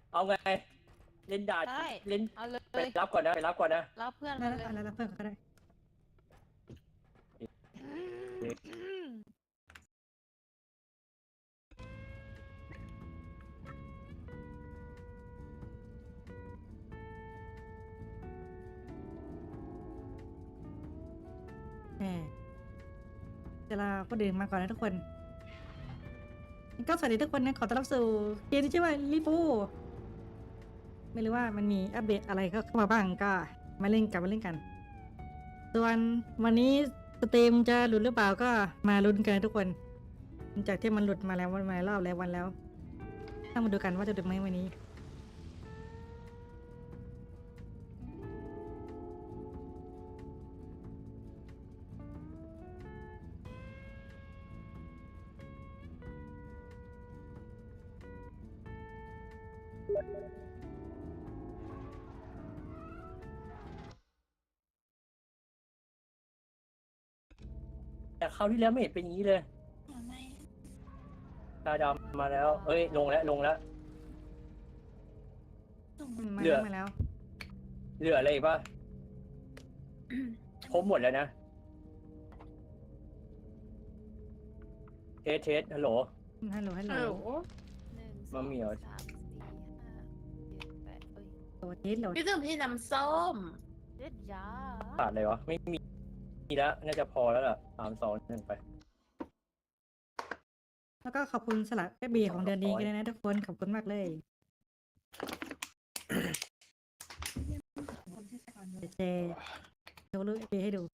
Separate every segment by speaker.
Speaker 1: เอาไงเล่นด่าน
Speaker 2: ได้
Speaker 1: เล่น
Speaker 2: เอาเล
Speaker 1: ไป
Speaker 2: ย
Speaker 1: รับก่อนนะไปรับก่อนนะ
Speaker 2: รับเพื่อน
Speaker 3: ได้
Speaker 2: มา
Speaker 3: แล้ว
Speaker 2: เลย
Speaker 3: แล้วเพื่อนก็ได้เดี๋ยวเราก็ดื่มมาก่อนนะทุกคนก็สวัสดีทุกคนนะขอต้อนรับสู่เกมที่ชื่อว่าลิฟูไม่รู้ว่ามันมีอัปเดตอะไรเข้ามาบ้างก็มาเล่นกันส่วนวันนี้สตรีมจะหลุดหรือเปล่าก็มาลุ้นกันทุกคนหลังจากที่มันหลุดมาแล้ววันมารอบแล้ววันแล้วต้องมาดูกันว่าจะหลุดไหมวันนี้
Speaker 1: แต่คราวที่แล้วไม่เห็นเป็นอย่างนี้เลยตาดำมาแล้วเอ้ยลงแล้ว
Speaker 3: มา
Speaker 1: เหลือ
Speaker 3: แล้ว
Speaker 1: เหลืออะไรอีกป่ะครบหมดแล้วนะเทสฮัลโหล
Speaker 3: ฮัลโหล
Speaker 2: 1
Speaker 1: มะเหมี่ยว
Speaker 2: 2 3 4 5 7 8เอ้ย
Speaker 3: โหลดเทสโหลด
Speaker 4: พี่ถึงพี่น้ำส้ม
Speaker 2: เด็ดยา
Speaker 1: ขาดอะไรวะไม่มีแล้วน่าจะพอแล้วล่ะ3 2 1ไป
Speaker 3: แล้วก็ขอบคุณสลัดแม่บีของเดือนนี้กันเลยนะทุกคนขอบคุณมากเลยเดี๋ยวเจโชว์รูปเอบีให้ดู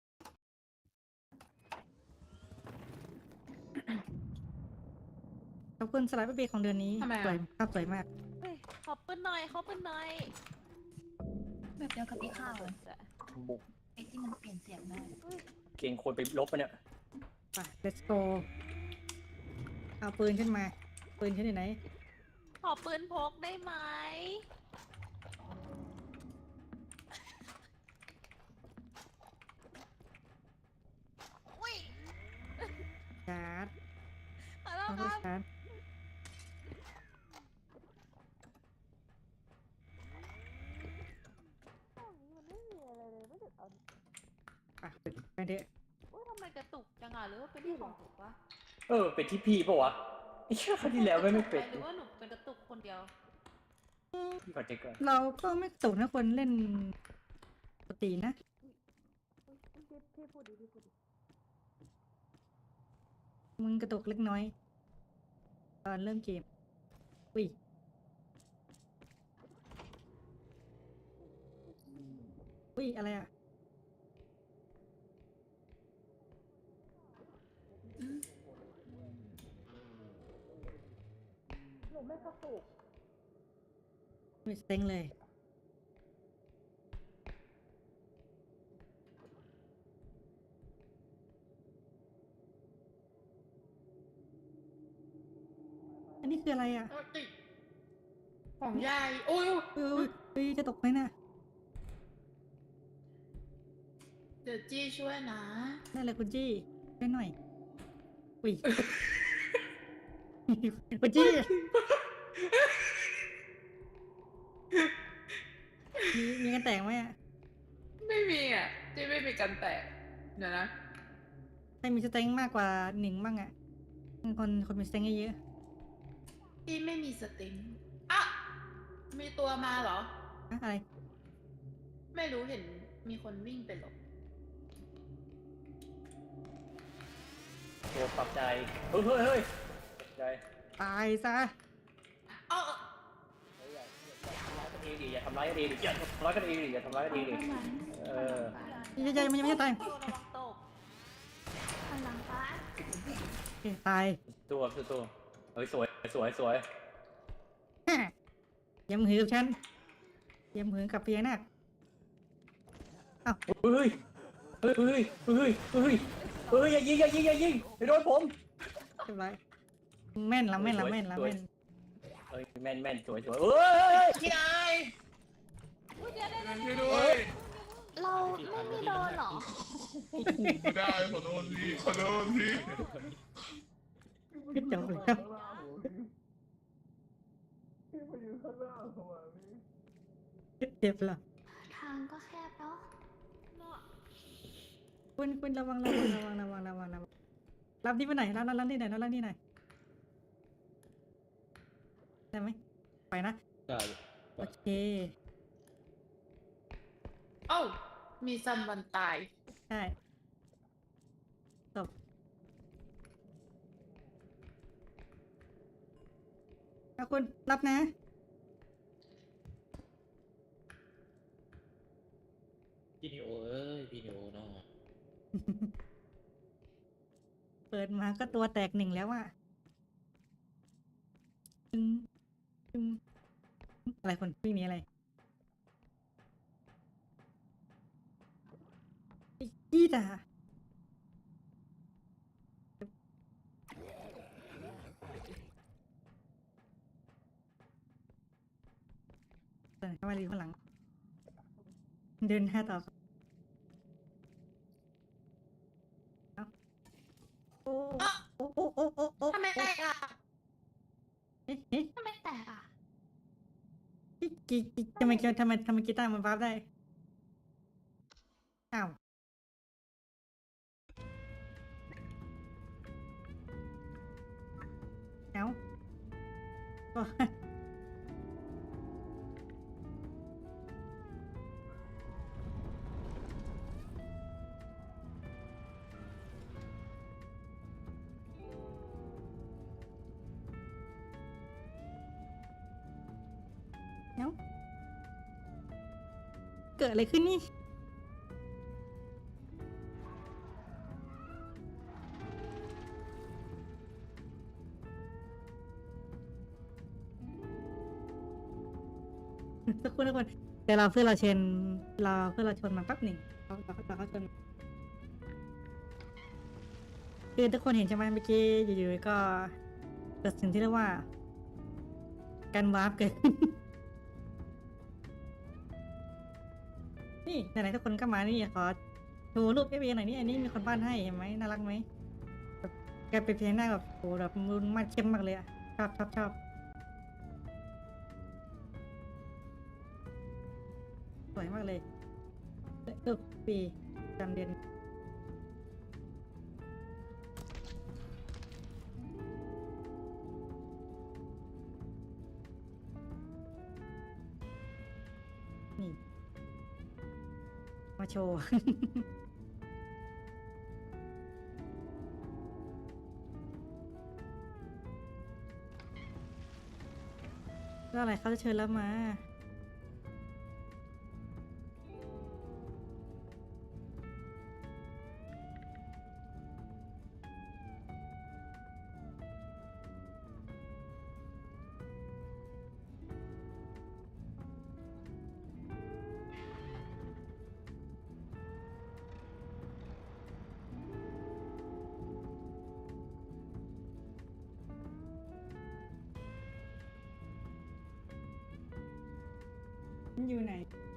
Speaker 3: ขอบคุณสลัดแม่บีของเดือนนี้
Speaker 4: ทำไมอะ
Speaker 3: สวยภาพสวยมาก
Speaker 2: เฮ้ยขอปืนหน่อยขอปืนหน่อย
Speaker 5: แบบเดียวกับที่ข้าวอะ
Speaker 2: จ้ะ
Speaker 1: บุก
Speaker 5: ไอ้ที่มันเปลี่ยนเสียงได้
Speaker 1: เก่งคนไปลบปะเนี่ย
Speaker 3: ไป let's go เอาปืนขึ้นมาปืนขึ้นอยู่ไหน
Speaker 2: ขอปืนพกได้ไหม อุ้ย
Speaker 3: ชาร์จ
Speaker 2: ขอโทษ
Speaker 3: ต้อง
Speaker 2: ครับ
Speaker 3: ชาร์จไปเถอะ
Speaker 2: อุ้ยทำไมกระตุกจังอ่ะหรือว่าเป็นที่ของถูกปะ
Speaker 1: เป็นที่พี่ปะวะไอ้เชื่อคราวที่แล้วไม่เป็น
Speaker 2: หรือว่าหนูเป็นกระตุกคนเดียว
Speaker 1: พี่ขอเช็คก่อน
Speaker 3: เราก็ไม่ตกนะคนเล่นปกตินะมึงกระตุกเล็กน้อย ตอนเริ่มเกมอุ้ยอุ้ยอะไรอ่ะไม่เซ็งเลย อันนี้คืออะไรอ่ะ
Speaker 4: ของยายโอ้ย
Speaker 3: อุ้ยจะตกไหมน่ะ
Speaker 4: เดี๋ยวจี้ช่วยนะ
Speaker 3: นั่นแหละคุณจี้ช่วยหน่อยอุ้ย คุณจี้มีกันแตกไหมอ่ะ
Speaker 4: ไม่มีอ่ะจี้ไม่มีกันแตะเดี๋ยวนะ
Speaker 3: ใครมีสเต็งมากกว่า1บ้างอ่ะคนมีสเต็งเยอะ
Speaker 4: จี้ไม่มีสติงอ่ะมีตัวมาเหรอ
Speaker 3: ๆอะอะไร
Speaker 4: ไม่รู้เห็นมีคนวิ่งไปหลบ
Speaker 1: โอ้ปรับใจเฮ้ยปรับใจ
Speaker 3: ตายซะ
Speaker 4: เอ้า
Speaker 1: อย่าทำร้ายกันเองดิอย่าทำร้ายกันเองดิอย่าทำร้ายกันเองดิเออ
Speaker 3: มันยังไม่ตาย
Speaker 2: ระวังตก
Speaker 5: พลังฟ้า
Speaker 3: โอเคตาย
Speaker 1: ตัวเฮ้ยสวย
Speaker 3: ฮะยำหือกับฉันยำหือกับเพียนัก
Speaker 1: เฮ้ยอย่ายิงอย่าโดนผม
Speaker 3: เรียบร้อยแม่นละแม่น
Speaker 1: เฮ้ยแม่นสวยเฮ้ย
Speaker 4: พี่นาย
Speaker 2: อุ้ยเดี๋ยว
Speaker 6: ช่วยด้วย
Speaker 5: เราไม่มีโดนเหรอ
Speaker 6: ไม่ได้ขอโทษพี่ขอโทษพี่
Speaker 3: จบแล้ว
Speaker 6: มาอยู่ข้างหน้าผมอ่ะพี่
Speaker 3: เจ็บเหรอ
Speaker 5: ทางก็แคบเนาะ
Speaker 3: คุณระวังรับนี่ไปไหนรับนี่ไหนรับนี่ไหนได้ไหมไปนะ
Speaker 1: ได้
Speaker 3: โอเค
Speaker 4: เอ้ามีซัมวันตาย
Speaker 3: ใช่จบเอาคุณรับนะ
Speaker 1: พี่นิโอเอ้ยพี่นิโอเนาะ
Speaker 3: เปิดมาก็ตัวแตกหนึ่งแล้วอะตึงตึงอะไรคนวิ่งหนี้อะไรไอ้กี้ด่าเดินเข้ามาดีข้างหลัง เดินหน้าต่อเอาโอ้โอ้
Speaker 4: ทำไมได้อ่ะ
Speaker 3: เอ๊ะเอ๊ะ
Speaker 5: ทำไมแตกอ่ะ
Speaker 3: ทำไมกีตาร์มันวาร์ปได้ อ้าว เอ้าก็ เอ้า เกิดอะไรขึ้นนี่ สักครู่ทุกคนเดี๋ยวเราเพื่อนเราเชนเราเพื่อนเราชนมาแป๊บหนึ่งเราชนคือทุกคนเห็นใช่ไหมเมื่อกี้อยู่ๆก็เกิดสิ่งที่เรียกว่า การวาร์ปเกิดขึ้น นี่ไหนๆทุกคนก็มานี่ขอโชว์รูปเอฟเอหน่อยนี่อันนี้มีคนบ้านให้เห็นไหมน่ารักไหมแบบแกเป็นเพลงหน้าแบบโหแบบมุนมาเข้มมากเลยอะชอบสวยมากเลยรูปปีจำเดือนนี่มาโชว์ แล้วอะไรเขาจะเชิญแล้วมาอยู่ไหน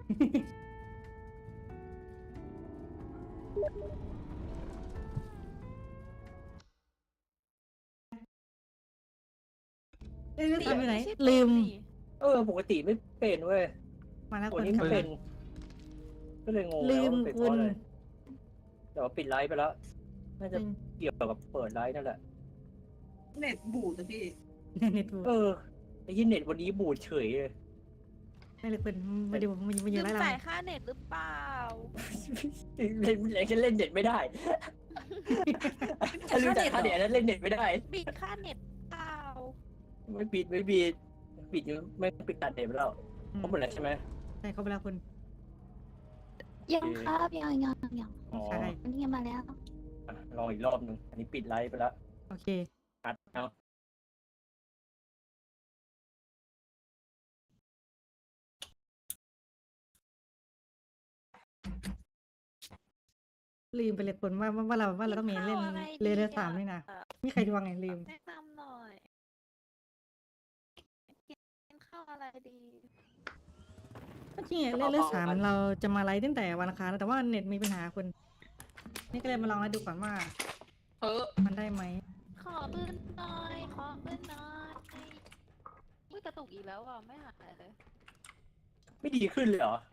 Speaker 3: เล่นทำอยู่ไหน ลืม
Speaker 1: ปกติไม่เป็นเว้ย
Speaker 3: มาแล้ว
Speaker 1: ตั
Speaker 3: คว น
Speaker 1: นี้
Speaker 3: ขับ
Speaker 1: ไม่เป็น ก็เลยงง
Speaker 3: ลืม
Speaker 1: ว่าเป็นเพ
Speaker 3: คุ
Speaker 1: ราะ
Speaker 3: ณ
Speaker 1: อะไรแต่ว่าปิดไลฟ์ไปแล้ว น่าจะเกี่ยวกับเปิดไลฟ์นั่นแหละ
Speaker 4: เน็ตบูดนะพี่
Speaker 3: เน็ตบู
Speaker 1: ไอ้ยี่เน็ตวันนี้บูดเฉยเลย
Speaker 3: ไม่เลยคุณมาดูมา
Speaker 2: ลื
Speaker 3: อยู่
Speaker 2: ม
Speaker 3: ไรเรา
Speaker 2: จ่ายค่าเน็ตหรือเปล่า
Speaker 1: เล่นฉันเล่นเน็ตไม่ได้ ถ้าลืมจ่ายค่าเน็ตนั้นเล่นเน็ตไม่ได้
Speaker 2: บิดค่าเน็ตเปล่า
Speaker 1: ไม่ปิดไม่ปิดตัดเน็ตไปแล้วเขาหมดแล้วใช่ไหม
Speaker 3: ใช่เขาไปแล้วคุณ
Speaker 5: ยังครับยัง
Speaker 1: อ๋อ
Speaker 3: ใช่
Speaker 5: วันนี้มาแล้ว
Speaker 1: อ่ะลองอีกรอบหนึง อันนี้ปิดไลฟ์ไปแล้ว
Speaker 3: โอเค
Speaker 1: อัดเอา
Speaker 3: ลืมไปเลยคุณว่าเราต้องมีเล่นเรือสามนี่นะมีใครดวงไงลืม
Speaker 2: แนะนำหน่อยกินข้าวอะไรดี
Speaker 3: จริงๆเล่นเรือสามเราจะมาไลฟ์ตั้งแต่วันอังคารแล้วแต่ว่าเน็ตมีปัญหาคุณ นี่ก็เลยมาลองแล้วดูก่อนว่า มันได้ไหม
Speaker 2: ขอปืนหน่อย ขอปืนหน่อยกระตุกอีกแล้วอ่ะ ไม่หายเลย
Speaker 1: ไม่ดีขึ้นเลยเหรอ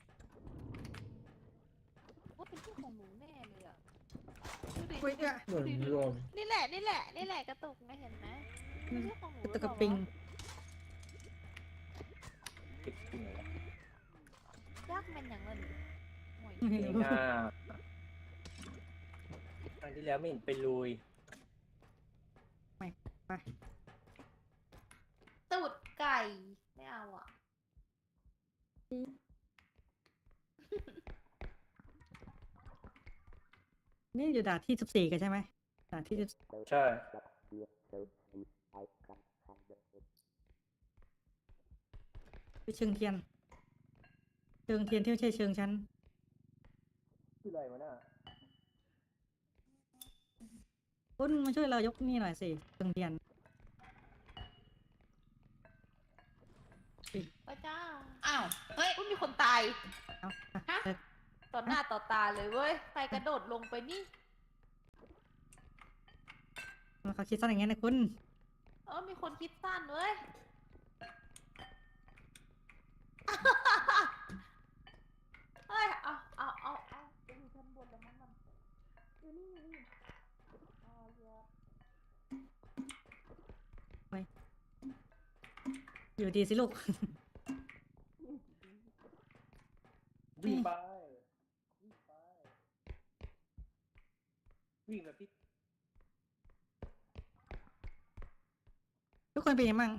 Speaker 2: ว่าเป็นที่ของหนูแน่เลยอ่ะดูดิ
Speaker 3: อุ้ยเนี่ย
Speaker 6: เหมือนรวม
Speaker 2: นี่แหละกระตุกไงเห็นไหมไม่ใช่ของหนู
Speaker 3: กระตุกกระปิง
Speaker 1: ติดจริงเหรอย
Speaker 2: ากเป็นอย่างเงินโอ้ย
Speaker 3: ไม่
Speaker 1: เก่ง
Speaker 3: รู้
Speaker 1: อ่ะครั้งที่แล้วไม่เห็นเป็นลุย
Speaker 3: ไป
Speaker 4: ตูดไก่ไม่เอาอ่ะ
Speaker 3: นี่อยู่ด่านที่14กันใช่ไหมด่านที่10
Speaker 1: ใช่
Speaker 3: ที่เชิงเทียนที่ไม่ใช่เชิงชั้น
Speaker 1: คืออะไรวะน่ะ
Speaker 3: คุณมาช่วยเรายกนี่หน่อยสิเชิงเทียน
Speaker 2: ไปจ้า
Speaker 4: อ้าวเฮ้ย
Speaker 2: อุ้ยมีคนตาย
Speaker 3: เอา
Speaker 4: ฮะ
Speaker 2: ต่อหน้าต่อตาเลยเว้ยใครกระโดดลงไปนี่
Speaker 3: เขาคิดสั้นอย่างเงี้ยนะคุณ
Speaker 2: มีคนคิดสั้นเว้ย เฮ้ย เอาไปอยู่ชั้นบนแล้วมั้งมันอยู่นี่อ๋อเยอะ
Speaker 3: อยู่ดีสิลูก
Speaker 1: วิ่งไป วิ่งไป วิ่งแบบที่
Speaker 3: ทุกคนเป็นยังไงบ้าง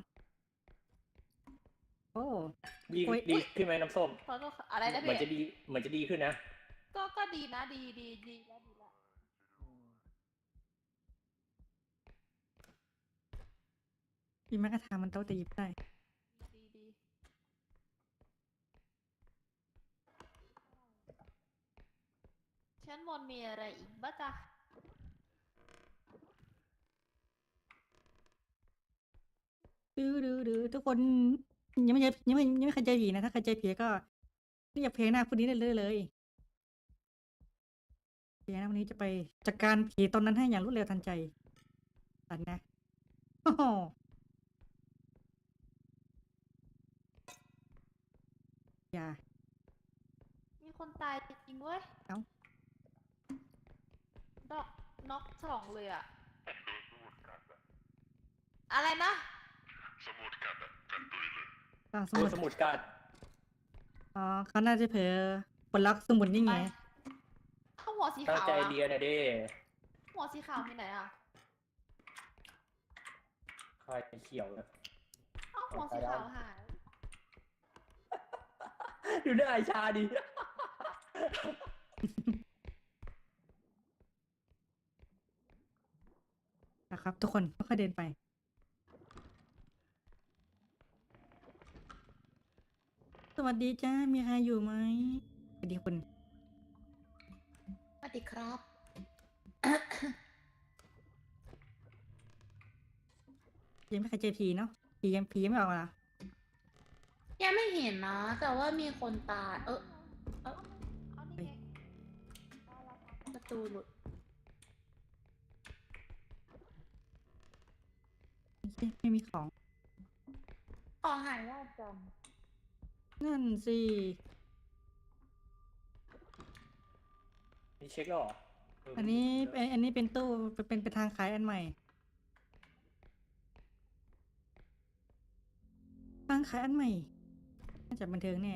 Speaker 3: โอ้
Speaker 1: ดี
Speaker 3: โอ้ย
Speaker 1: ดีขึ้นไหมน้ำส้ม
Speaker 2: ขอโทษค่ะอะไรนะ
Speaker 1: เหมือนจะ
Speaker 2: พี่
Speaker 1: ดี เหมือนจะดีขึ้นนะ
Speaker 2: ก็ดีนะดีแล้ว
Speaker 3: มีแม้กระทั่งมันโต๊ะจะหยิบได้
Speaker 2: ดี ชั้นบนมีอะไรอีกบ้างจ๊ะ
Speaker 3: ดื้อทุกคนยังไม่เคยเจอผีนะ ถ้าเคยเจอผีก็เรียกเพลงหน้าคนนี้ได้เลยเพลงหน้าวันนี้จะไปจัดการผีตอนนั้นให้อย่างรวดเร็วทันใจตันนะโอ้โหอย่า
Speaker 2: มีคนตายจริงเว้ย
Speaker 3: เอ้า
Speaker 2: น็อกสองเลยอะอะไรนะ
Speaker 3: ต่างส
Speaker 1: โด
Speaker 3: มุ
Speaker 1: น
Speaker 3: ด
Speaker 1: สมุดกัด
Speaker 3: อ๋อเขาน่าจะเผลอปลดล็อกสมุดนี่ไง
Speaker 2: เข้าหัวสี
Speaker 1: ตั้ง
Speaker 2: ขาว
Speaker 1: ใจ
Speaker 2: อะ
Speaker 1: เรียนนะเด้
Speaker 2: หัวสีขาวมีไหนอะ
Speaker 1: ใครเขียวนะ
Speaker 2: หัวสีขาวหาย
Speaker 1: ดูหน้าไอชาดิ
Speaker 3: นะครับ ทุกคนค่อยๆเดินไป สวัสดีจ้า มีใครอยู่ไหมสวัสดีคุณ
Speaker 4: สวัสดีครับ
Speaker 3: ยังไม่เคยเจอผีเนาะผียังไม่ออกมาเหรอ
Speaker 4: ยังไม่เห็นนะ แต่ว่ามีคนตาย
Speaker 2: เอานี่ไง
Speaker 4: ประตูหลุด
Speaker 3: ไม่มีของ
Speaker 4: ขอหายว่าจ
Speaker 3: นั่นสิ
Speaker 1: นี่เช็คแล้วเหรอเ
Speaker 3: อันนี้เป็นตู้เป็นทางขายอันใหม่ ทางขายอันใหม่ น่าจะบันเทิงแน่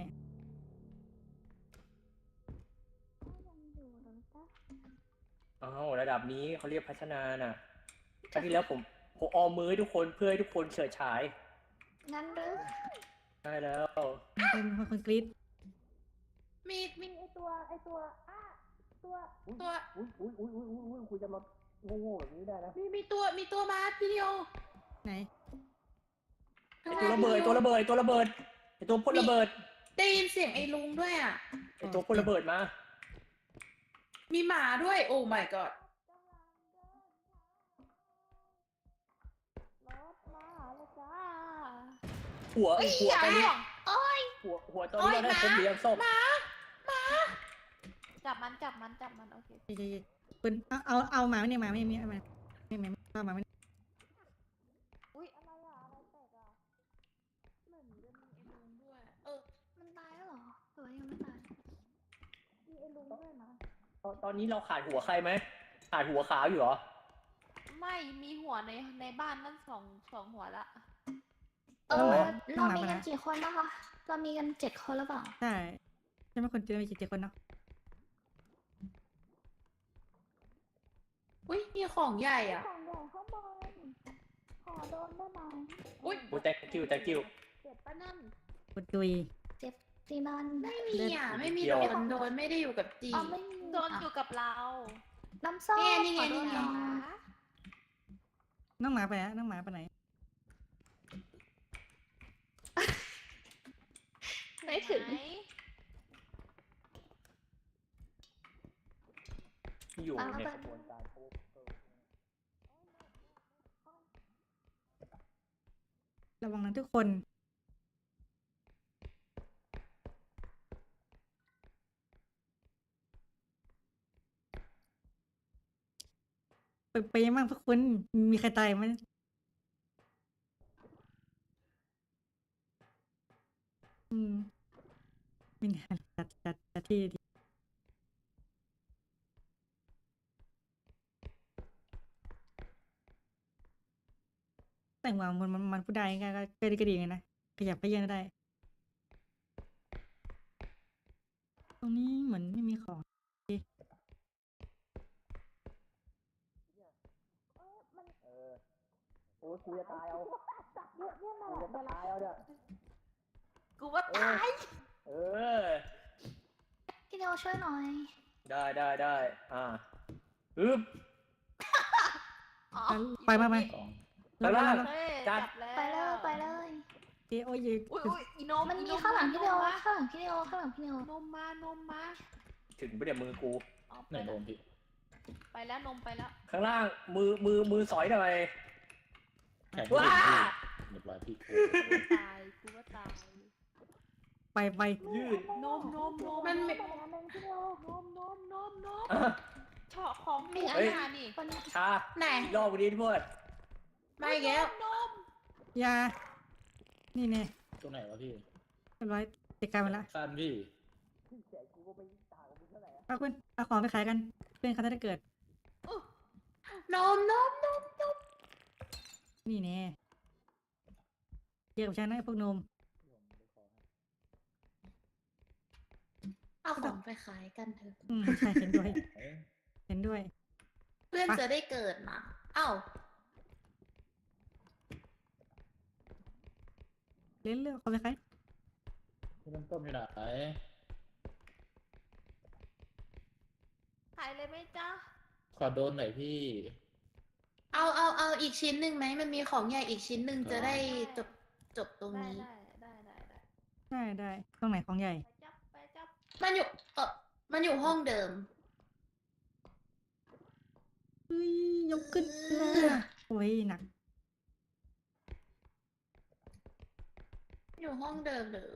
Speaker 1: อ้าวระดับนี้เขาเรียกพัฒนาน่ะครั้งที่แล้วผมออมมือให้ทุกคนเพื่อให้ทุกคนเฉิดฉาย
Speaker 5: งั้นหรือ
Speaker 1: ได้แล้ว
Speaker 3: เป็นคนกรี๊ด
Speaker 4: ำมีไอตัวตัว
Speaker 1: อุ้ยคุณจะมาโง่ๆแบบนี้ได้นะ
Speaker 4: มีตัวมาพี่เดียว
Speaker 3: ไหน
Speaker 4: ข้าง
Speaker 1: ตัว
Speaker 4: ล่าง
Speaker 1: ระเบิด
Speaker 4: พี่
Speaker 1: ตัวระเบิดตัวระเบิดไอตัวพ่นระเบิด
Speaker 4: ได้ยินเสียงไอ้ลุงด้วยอ่ะ
Speaker 1: ไอตัวพ่นระเบิดมา
Speaker 4: มีหมาด้วย โอ้ my god
Speaker 2: รถมาแล้วจ้า
Speaker 1: หัว
Speaker 4: เอ้ย
Speaker 1: หัว
Speaker 4: อย่า
Speaker 1: ตอนนี้
Speaker 4: ห่วงโอ้ย
Speaker 1: หัวตอนนี้เราได้ครบเรียงส้ม
Speaker 2: จับมันโอเค
Speaker 3: ปืนเอาหมาไม่เนี่ยหมาไม่มีเอามาไม่เอาหมาไม่
Speaker 2: อุ้ยอะไรอะอะไรแตกอะอ้ลุงด้วยนะ
Speaker 1: ตอนนี้เราขาดหัวใครไหมขาดหัวขาวอยู่เหรอ
Speaker 2: ไม่มีหัวในบ้านนั่นสองหัวละ
Speaker 5: เรามีกันกี่คนนะคะ เรามีกัน7 คนหรือเปล่า
Speaker 3: ใช่ใช่ไหมคนเจอมีกี่คนเนาะ
Speaker 4: อุ้ยมีของใหญ่อ่ะ
Speaker 5: ของใหญ่ข้างบนขอโดนได้ไหม
Speaker 4: อุ้ย
Speaker 1: โอ้thank you thank you
Speaker 2: เจ็บปะนั่น
Speaker 3: คุณตุย
Speaker 5: เจ็บจีนัน
Speaker 4: ไม่มีอ่ะ ไม่มี
Speaker 1: เดี๋ยว
Speaker 4: โดนไม่ได้อยู่กับจี
Speaker 5: อ๋อไม่มี
Speaker 2: โดนอยู่กับเรา
Speaker 5: น้ำส้ม
Speaker 4: นี่ไง
Speaker 5: ขอโด
Speaker 4: นี่ไง
Speaker 5: หอย
Speaker 3: น้องหมาไปไหนน้องหมาไปไหน
Speaker 5: ไม่ถึง
Speaker 2: ไหน
Speaker 1: ที่อยู่ในกระบวนการโคเวอร์
Speaker 3: ระวังนะทุกคน ไปยังบ้างพวกคุณมีใครตายไหมไม่นานจัดที่ดีแต่งว่ามันพูดได้ก็ดีไงนะขยับไปเยอะได้ ตรงนี้เหมือนไม่มีของ
Speaker 1: โอ้ยกูจะตายเอากูจะตายเอาเนี่ย
Speaker 2: กูว่าตาย
Speaker 1: เออ
Speaker 5: พี่เดียวช่วยหน่อย
Speaker 1: ได้อึ๊บ
Speaker 2: อ๋อ
Speaker 3: ไปมาไหม
Speaker 1: ไปบ้าง
Speaker 2: เฮ้ย
Speaker 1: จั
Speaker 2: จั
Speaker 1: ด
Speaker 2: บแล้ว
Speaker 5: ไปเลยไปเลย
Speaker 3: โอ้ย
Speaker 2: อุ้ยอีโน
Speaker 5: มันมีข้างหลังพี่เดียวข้างหลังพี่เดียวข้างหลังพี่เดียวน
Speaker 2: มมา
Speaker 1: ถึงไปเดี๋ยวมือกู
Speaker 2: อ๋อ
Speaker 6: ไหนโดนพี่
Speaker 2: ไปแล้วนมไปแล้ว
Speaker 1: ข้างล่างมือสอยหน่อย
Speaker 6: แข่ง
Speaker 1: ว้า
Speaker 6: เรียบร้อยพี่
Speaker 2: ตายกูว่าตาย
Speaker 3: ไป
Speaker 1: ยืด
Speaker 2: นม
Speaker 4: มันไม่
Speaker 2: นมเฉาะของมีอาหารนี่
Speaker 5: วันนี้
Speaker 1: ชา
Speaker 4: ไหน
Speaker 1: อีกรอบวันนี้ทุกคน
Speaker 4: ไม่แก้วน
Speaker 2: ม
Speaker 3: ยา นี่แน่
Speaker 6: ตัวไหนวะพี่
Speaker 3: เรียบร้อยจัดการไปละ
Speaker 6: สั้นพี่
Speaker 3: เอาคุณเอาของไปขายกันเพื่อนเขาจะได้เกิด
Speaker 4: นม
Speaker 3: นี่แน่เยอะกว่าฉันนะไอ้พวกนม
Speaker 4: เอาของไปขายกันเถอะ
Speaker 3: ใช่เห็นด้วย เห็นด้วย
Speaker 4: เพื่อนจะได้เกิดมาเอ้า
Speaker 3: เล่นเรื่องของไปขาย
Speaker 6: พี่น้ำต้มอยู่ไหน
Speaker 2: ขายเลยไหมจ๊ะ
Speaker 6: ขอโดนหน่อยพี่
Speaker 4: เอาอีกชิ้นหนึ่งไหมมันมีของใหญ่อีกชิ้นหนึ่งจะได้จบตรง
Speaker 2: ได้
Speaker 4: นี้
Speaker 3: ได้ตรงไหนของใหญ่
Speaker 2: ไปจับ
Speaker 4: มันอยู่ห้องเดิม
Speaker 3: เฮ้ยยกขึ้นมาโอ้ยหนัก
Speaker 4: อยู่ห้องเดิมเลย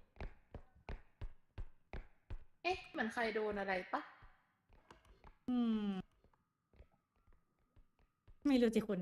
Speaker 4: เอ๊ะเหมือนใครโดนอะไรปะ
Speaker 3: ไม่รู้สิคุณ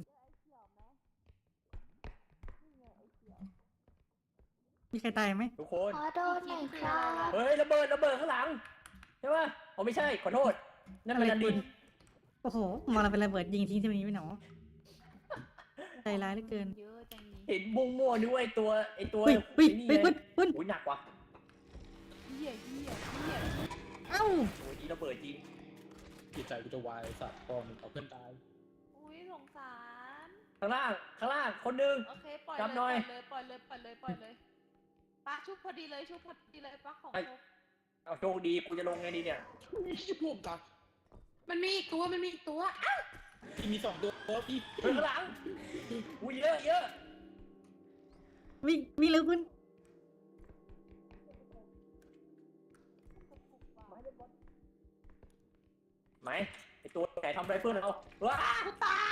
Speaker 3: มีใครตายไหม
Speaker 1: ทุกคน
Speaker 5: ขอโดนหน่อยครับ
Speaker 1: เฮ้ยระเบิดข้างหลังใช่ปะอ๋อไม่ใช่ขอโทษนั่นมันนันดิน
Speaker 3: โอ้โหมองเราเป็นระเบิดยิงทิ้งที่นี้ไม่หนอใจร้ายเหลือเกิน
Speaker 2: เยอะจังนี้
Speaker 1: เห็นบุ้งมั่วด้วยไอ้ตัว
Speaker 3: เฮ้ย
Speaker 1: ไอ้นี่
Speaker 3: คุณ
Speaker 1: อุ้ยหนักว่ะ
Speaker 2: เหี้ย
Speaker 3: เอ้า
Speaker 1: โอ้ยนี่ระเบิดจริง
Speaker 6: จิตใจกูจะวายสัตว์พอมึงเอาเพื่อนตาย
Speaker 2: อุ้ยสงสาร
Speaker 1: ข้างล่างคนหนึง
Speaker 2: โอเคปล่อย
Speaker 1: จับหน่อย
Speaker 2: เลยปล่อยเลยปะชุบพอดีเลยปะของ
Speaker 1: ไอ้ เอาโชคดีกูจะลงไงดีเนี่ย
Speaker 6: พวกกัน
Speaker 4: มันมีอีกตัวอ้าว
Speaker 6: พี่มี2 ตัวพี่
Speaker 1: เฮ้ยข้างหลังอุ้ยเยอะ
Speaker 3: วิ่งเร็วคุณ
Speaker 1: ไหมไอตัวไหนทำอะไรเพื่อนเราว้า
Speaker 4: กูตาย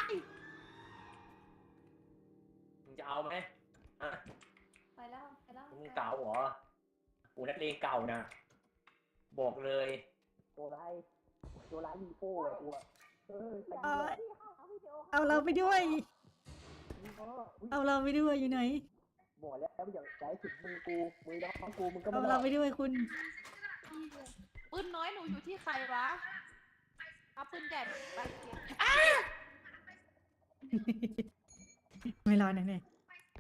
Speaker 1: มึงจะเอาไหมอ่ะ
Speaker 2: ไปแล้ว
Speaker 1: มึงเก่าเหรอกูนักเลงเก่านะบอกเลยตัวร้ายลีโป้เลยกูอะไป
Speaker 3: เอาเราไปด้วย เอาเราไปด้วยอยู่ไหน
Speaker 1: บอกแล้วอย่าใช้ถึงมือกูมือน้องกูมึงก็
Speaker 3: เอา
Speaker 1: ไม่
Speaker 3: เรา
Speaker 1: รอด
Speaker 3: ไปด้วยคุณ
Speaker 2: อุ้ยนน้อยหนูอยู่ที่ใครวะเอาปืนใหญ่ไปเก็บ
Speaker 3: ไม่รอดแน่
Speaker 5: ไปรุ่น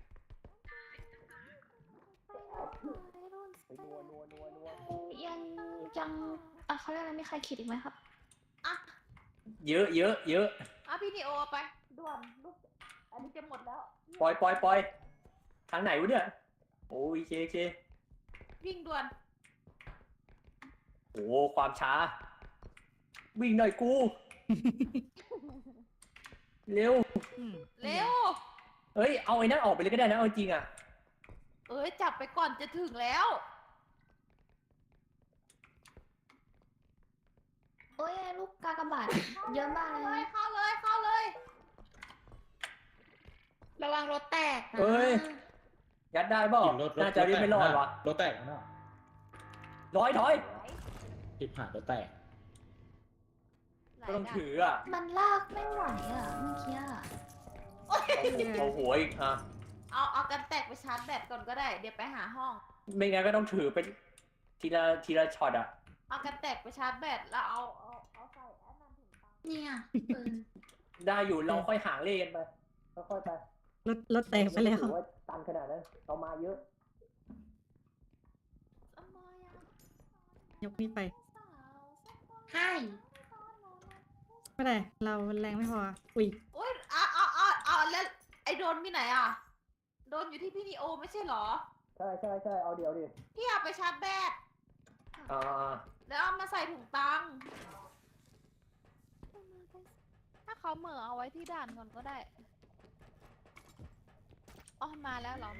Speaker 1: ไปนัวนัว
Speaker 5: ยังเขาเรียกอะไรมีใครคิดอีกไหมครับ
Speaker 2: อ่ะ
Speaker 1: เยอะเยอะเยอะ
Speaker 2: เอาพี่นิโอเอาไปด่วนลูกอันนี้จะหมดแล้ว
Speaker 1: ปล่อยทางไหนวะเนี่ยโอ้ยเค
Speaker 2: วิ่งด่วน
Speaker 1: โอ้ความช้า วิ่งหน่อยกู เร็ว
Speaker 3: ๆอืม
Speaker 2: เร็ว
Speaker 1: เฮ้ยเอาไอ้นั่นออกไปเลยก็ได้นะเอาจริงอ่ะ
Speaker 2: เอ้ยจับไปก่อนจะถึงแล้ว
Speaker 5: โอ้ยลูกกากบาทเยอะมากเลย
Speaker 2: เข้าเลย
Speaker 4: ระวังรถแตกนะ
Speaker 1: เอ้ย ยัดได้เปล่าน่าจะรีบไม่รอดวะ
Speaker 7: รถแตกนะ
Speaker 1: ถอย
Speaker 7: ทิพหารถแตก
Speaker 1: ก็ต้องถืออ่ะ
Speaker 5: มันลากไม่ไหวอ่ะเมื่อกี้อะ
Speaker 1: เอาหัวอีกอ่ะ
Speaker 2: เอากันแตกไปชาร์จแบตก่อนก็ได้ เดี๋ยวไปหาห้อง
Speaker 1: ไม่งั้นก็ต้องถือเป็นทีละช็อตอ่ะ
Speaker 2: เอากันแตกไปชาร์จแบตแล้วเอาใส่แอดนันถุงตัง
Speaker 4: เนี่ยปืน
Speaker 1: ได้อยู่เราค่อยหางเลขกันไปค่อยๆไป
Speaker 3: รถแตกไปแล้ว
Speaker 1: ถือว่าตันขนาดนั้นเรามาเยอะ
Speaker 3: ยกนี้ไป
Speaker 4: ให้
Speaker 3: ไม่ได้ เราแรงไม่พอ อุ้ย
Speaker 2: โอ๊ยเอาแล้วไอโดนมีไหนอ่ะ โดนอยู่ที่พี่นิโอไม่ใช่เหรอ
Speaker 1: ใช่เอาเดี๋ยวดิ
Speaker 2: พี่เอาไปชาร์จแบต
Speaker 1: อ่า
Speaker 2: แล้วเอามาใส่ถุงตังค์ถ้าเขาเหม่อเอาไว้ที่ด่านก่อนก็ได้อ๋อมาแล้วเหรอ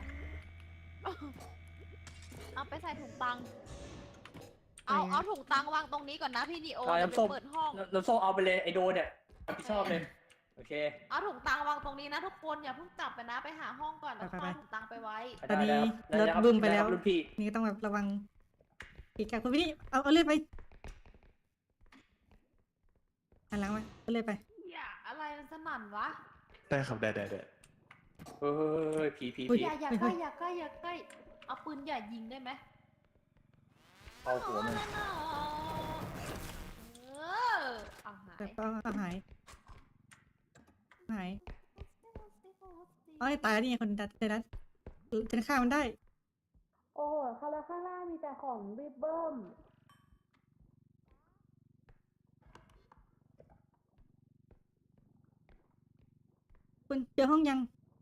Speaker 2: เอาไปใส่ถุงตังค์เอาถุงตังค์วางตรงนี้ก่อนนะพี่นิโอ
Speaker 1: เอา
Speaker 2: เดี๋ยว
Speaker 1: น้ำส้ม
Speaker 2: ไปเปิดห้อง
Speaker 1: น้ำส้มเอาไปเลยไอโดนเนี่ยรับผิดชอบเลยโอเค
Speaker 2: เอาถุงตังค์วางตรงนี้นะทุกคนอย่าเพิ่งจับไปนะไปหาห้องก่อนแล้ว
Speaker 3: ไป
Speaker 2: เอาถุงตังค์ไปไว้
Speaker 3: ตอนนี้
Speaker 1: ได้
Speaker 3: รถ
Speaker 1: ครับ
Speaker 3: บึ้มไปแล้ว
Speaker 1: ด้ครับรุ่นพี่
Speaker 3: นี่ก็ต้องแบบระวังอีกกับคุณพี่นี่เอาเลื่อยไปหันหลังมาเอาเลื่อยไป
Speaker 2: อย่าอะไรมันสนั่นวะ
Speaker 6: ได้ครับได้
Speaker 1: เฮ้ยผี
Speaker 3: อุ๊ย
Speaker 2: อย่าใกล้อย่าใกล้เอาปืนอย่ายิงได้ไหม
Speaker 1: เอาหัวมัน
Speaker 2: เออเอาหาย
Speaker 3: แต่ก็เอาหายอ๋อตายนี่ไงคนดัดในนั้นฉันฆ่ามันได้
Speaker 2: โอ้โหข้างล่างมีแต่ของริบเบิ้ม
Speaker 3: คุณเจอห้องยัง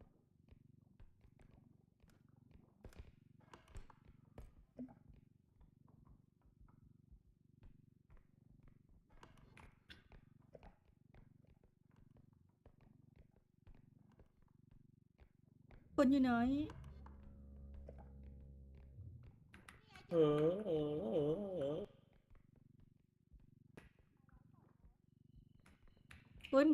Speaker 3: คนอยู่ไหน คุณ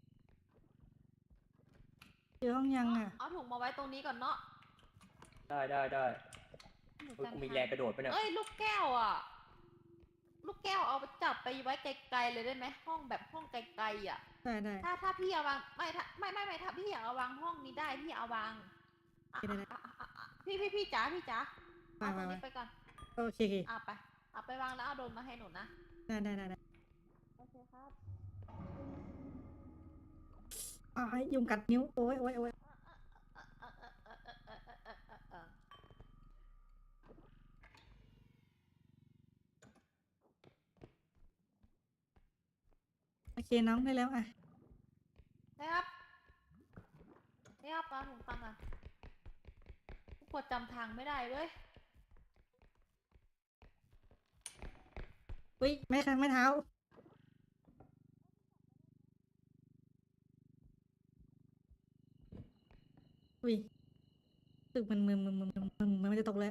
Speaker 3: เจอห้องยังอ่ะ
Speaker 2: เอาถุงมาไว้ตรงนี้ก่อนเนาะ
Speaker 1: ได้เฮ้ยกูมีแรงกระโดดไปเนี่ย
Speaker 2: เอ้ยลูกแก้วอ่ะ ลูกแก้วเอาไปจับไปไว้ไกลๆเลยได้ไหมห้องแบบห้องไกลๆอ่ะ
Speaker 3: ได้
Speaker 2: ถ้าพี่เอาวางไม่ถ้าไม่ถ้าพี่อยากเอาวางห้องนี้ได้พี่เอาวางอ่ะ
Speaker 3: ได้
Speaker 2: พี่จ๋าเอาตรง
Speaker 3: ไป
Speaker 2: นี้ไปก่อน
Speaker 3: โอเค
Speaker 2: เอาไปวางแล้วเอาโดนมาให้หนูนะ
Speaker 3: ได้
Speaker 2: โอเคครับ
Speaker 3: อ๋อยุงกัดนิ้ว โอ้ยโอเคน้องได้แล้วอ่ะ
Speaker 2: นะครับนี่ครับปลาถุงตังค์อ่ะปวดจำทางไม่ได้เลย
Speaker 3: อุ้ยไม่ค่ะไม่เท้า อุ้ยตึกมันมันไม่จะตกเลย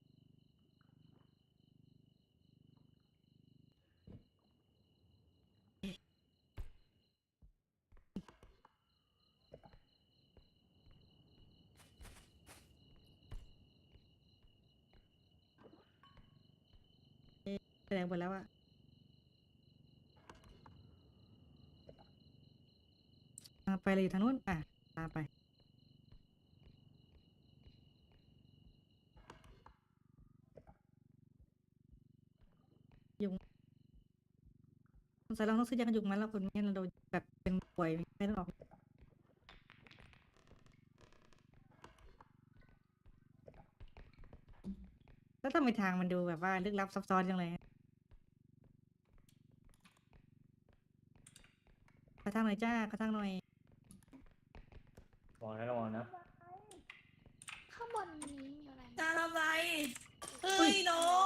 Speaker 3: แสดงหมดแล้วอะไปเลยทางนู้นอ่ะตามไปยุงสงสัยเราต้องซื้อยากันยุงมาแล้วคนไม่งั้นเราโดนแบบเป็นป่วยไม่ต้องออกแล้วทำไมทางมันดูแบบว่าลึกลับซับซ้อนจังเลยขอทางหน่อยจ้าขอทางหน่อย
Speaker 1: ระวังนะ
Speaker 5: ข้างบนนี้มีอะไร
Speaker 8: ตาทำไรเฮ้ยน้อง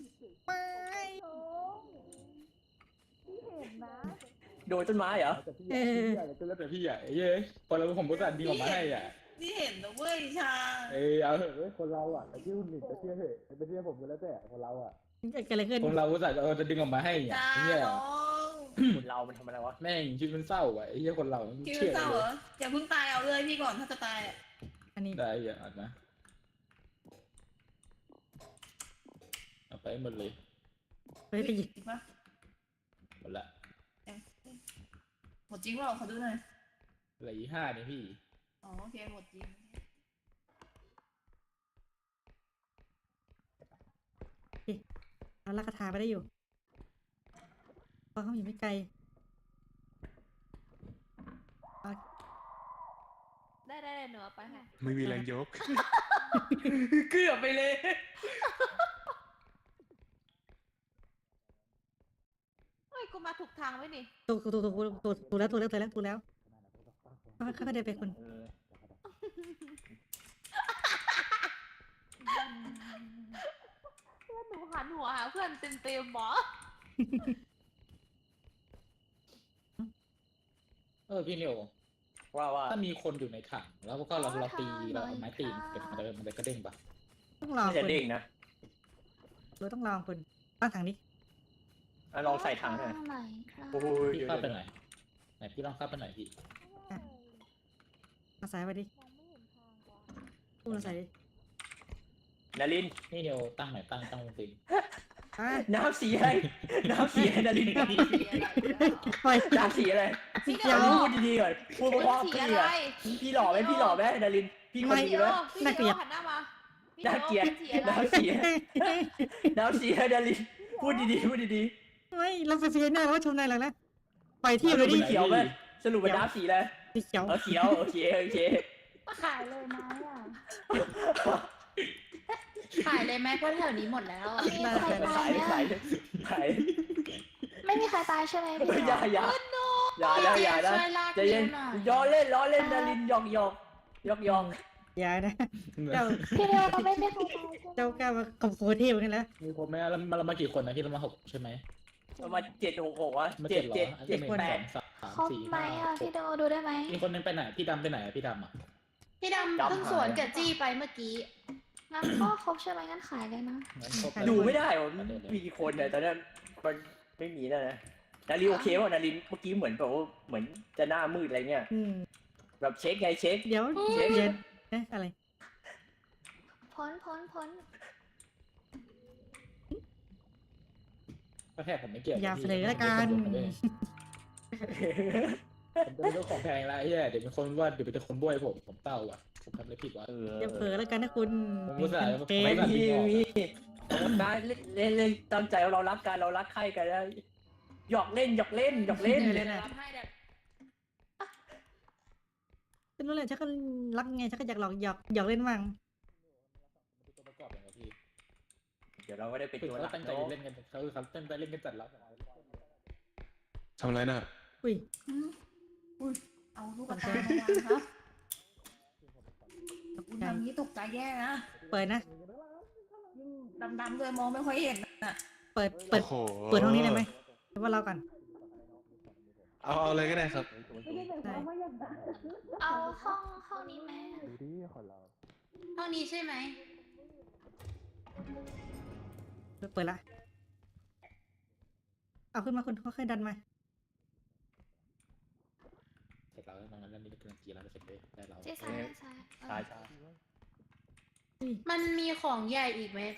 Speaker 1: โดนต้นไม้เหรอ
Speaker 3: เออ
Speaker 7: ก็แล้วแต่พี่ใหญ่เย้คนเราผมก็ตัดดีออกมาให้อ่ะ
Speaker 8: นี่เห็นนะเว้ยชา
Speaker 7: เอาเถอะคนเราอ่ะแต่ที่คุณหนึ่งจะเชื่อเถอะไม่เชื่อผมก็แล้วแต่คนเราอ่ะ
Speaker 3: เกิดอะไรขึ้น
Speaker 7: คนเราก็จะดึงออกมาให้อ่ะ
Speaker 8: ชา
Speaker 7: เนี่ย
Speaker 8: น้อง
Speaker 1: คนเรามันทำอะไรวะ
Speaker 7: แม่งชีวิตมันเศร้าอ่ะไอ้เหี้ยคนเราไม่
Speaker 8: คิด
Speaker 7: เชื่อ
Speaker 8: ว่าเศร้า
Speaker 7: เล
Speaker 8: เหรอย อย่าเพิ่งตายเอาเลยพี่ก่อนถ้าจะตายอ่ะ
Speaker 3: อันนี้
Speaker 7: ได้อย่าอ่านนะเอาไปหมดเลย
Speaker 3: ไปหยิบ
Speaker 8: จริงปะ
Speaker 7: หมดละ
Speaker 8: หมดจริงเปล่าขอดูหน่อย
Speaker 7: เหลืออีก5นี่พี่
Speaker 8: อ๋อโอเคหมดจริง
Speaker 3: เอาลักกระทาไปได้อยู่เพราะเขาอยู่ไม่ไกล
Speaker 2: ได้หนูเอาไปให้
Speaker 6: ไม่มีแรงยก
Speaker 1: เกือบไปเลย
Speaker 2: เฮ้ยกูมาถูกทางไว้นี่
Speaker 3: ถูกแล้วค่อยๆเดินไปคุณ
Speaker 2: เพื่อนหนูหันหัวหาเพื่อนเต็มหมอ
Speaker 7: พี่เนียว
Speaker 1: ว่า
Speaker 7: ถ้ามีคนอยู่ในถังแล้วก็เราตีเราเอาไม้ตีเก็บมันจะกระเด้งปะ
Speaker 3: ต้องลอง
Speaker 1: ไม่จะ
Speaker 3: คุณ
Speaker 1: เด้งนะ
Speaker 3: เราต้องลองคุณตั้งถังนี้
Speaker 1: ลองใส่ถังหน่อย
Speaker 5: ข้างไหนครับ
Speaker 1: โอ้ย
Speaker 7: พี่เข้าไปหน่อยไหนพี่ลองเข้าไปหน่อยพี่
Speaker 3: เอาสายไปดิพูดเอาใส่ดิ
Speaker 1: นาริน
Speaker 7: นี่เนียวตั้งหน่อยตั้งจริง
Speaker 3: อ่ะ
Speaker 1: น้ำสีอะไรน้ำสีอะไรนาริน
Speaker 3: ปล่อย
Speaker 1: น้ำสีอะไร
Speaker 3: สีเขียว
Speaker 1: พูดดีๆก่อนพูดเพราะ
Speaker 2: สี
Speaker 1: พี่
Speaker 2: อะไร
Speaker 1: อ่ะพี่หล่อไหมพี่หล่อไหมนารินพี่คนดีไหม
Speaker 2: พี่เดียวหันหน้ามา
Speaker 1: น่าเกลียด
Speaker 2: น้ำสีอะไร
Speaker 1: น้ำสีอะไรนารินพูดดีๆพูดดี
Speaker 3: ไม่เราไปเฟียนหน้าว่าชมนายหลังนะปล่อย
Speaker 1: ๆ
Speaker 3: ที่
Speaker 1: ส
Speaker 3: เล
Speaker 1: รุ
Speaker 3: ย
Speaker 1: ป
Speaker 3: ดิ
Speaker 1: เป็นเขียวไหมสรุปเป็นน้ำสีอะไร
Speaker 3: สีเขียว
Speaker 1: เขียวโอเค
Speaker 5: ขายเลยไหมอ่ะ
Speaker 4: ขายเลยไหมเพราะแถวนี้หมดแล้วอะ
Speaker 5: มีใครตาย
Speaker 1: ขาย
Speaker 5: ไหม
Speaker 1: ขาย
Speaker 5: ไม่มีใครตายใช่ไหมพี่
Speaker 1: อย่าอย่านะ
Speaker 4: ช่วยลาก
Speaker 1: ใจเย็น
Speaker 4: หน่อย
Speaker 1: ล้อเล่นนารินหยอก
Speaker 3: อย่านะเจ้า
Speaker 5: พี่เดียวก็ไม่มีใครตายใช่ไหม
Speaker 3: เจ้ากล้ามาข่มขู่เทพกันแล้ว
Speaker 7: มีครบไหมเรามากี่คนนะพี่เรามา6ใช่ไหม
Speaker 1: ประมาณ766วะ
Speaker 7: มา
Speaker 1: 7
Speaker 7: เหรอ
Speaker 1: 7 7 8
Speaker 5: ครบไหมอ่ะพี่เดียวดูได้ไหม
Speaker 7: มีคนนึงไปไหนพี่ดำไปไหนพี่ดำอ่ะ
Speaker 4: พี่ดำเพิ่งสวนกับจี้ไปเมื่อกี้
Speaker 5: งั้นก็ครบใช่ไหมงั้นขายเลยนะ
Speaker 7: งั้นครบ
Speaker 1: ดูไม่ได้หรอมีกี่คนเนี่ยตอนนั้นมันไม่มีแล้วนะนารินโอเคป่ะนารินเมื่อกี้เหมือนแบบว่าเหมือนจะหน้ามืดอะไรเงี้ย แบบเช็คไงเช็ค
Speaker 3: เดี๋ยวเย็นเอ๊ะอะไร
Speaker 5: พ้น
Speaker 7: ก็แค่ผมไม่เกี่ยว
Speaker 3: อย่าเสนอละกัน
Speaker 7: ผมเป็นเรื่องของแพงแล้วไอ้เหี้ยเดี๋ยวเป็นคนว่าเดี๋ยวเป็นคนบ้วยผมเต้าอ่ะผมทำอะไรผิดวะ
Speaker 3: อย่าเผลอแล้วกันนะคุณ
Speaker 7: ผมรู้สึกว่า
Speaker 3: เป็น
Speaker 1: ไม่มีได้เล่นตั้งใจเรารักกันเรารักใครกันแล้วหยอกเล่น
Speaker 3: เล่น
Speaker 4: รับให้เดี๋ยว
Speaker 3: เป็นรู้เลยชักก็รักไงชักก็อยากหยอกเล่นบ้าง
Speaker 7: ตัวประกอบอย่างไรพี่
Speaker 1: เดี๋ยวเราก็ได้เป็น
Speaker 7: คือ
Speaker 1: ตัวหลั
Speaker 7: เขา
Speaker 1: ก
Speaker 7: ตั้งใจ
Speaker 1: เนาะ
Speaker 7: เล่นกันเขาตั้งใจเล่นกันจัดแล้ว
Speaker 6: ทำอะไรน่ะ
Speaker 3: อุ้ย
Speaker 8: เอาลูกกระตามาวางครับคุณทำนี้ตกใจแย่นะ
Speaker 3: เปิดนะ
Speaker 8: ยิ่งดำๆเลยมองไม่ค่อยเห็นน่ะ
Speaker 3: เปิด
Speaker 6: โอ้โห
Speaker 3: ห้องนี้ได้ไหมหรือว่าเราก่อน
Speaker 6: เอาเลยก็ได้ครับ
Speaker 3: ได้
Speaker 5: เอาห้องนี้ไหม
Speaker 4: ห้องนี้ใช่ไหม
Speaker 3: เปิดละเอาขึ้นมาคุณค่อยๆดันมา
Speaker 7: เสร็จแล้วตรงนั้นแล้วนี่ก็เป็นกี่แล้วเสร็จเลยได้เรา
Speaker 5: ที่ซ้าย
Speaker 1: ใช่
Speaker 4: มันมีของใหญ่อีกไหม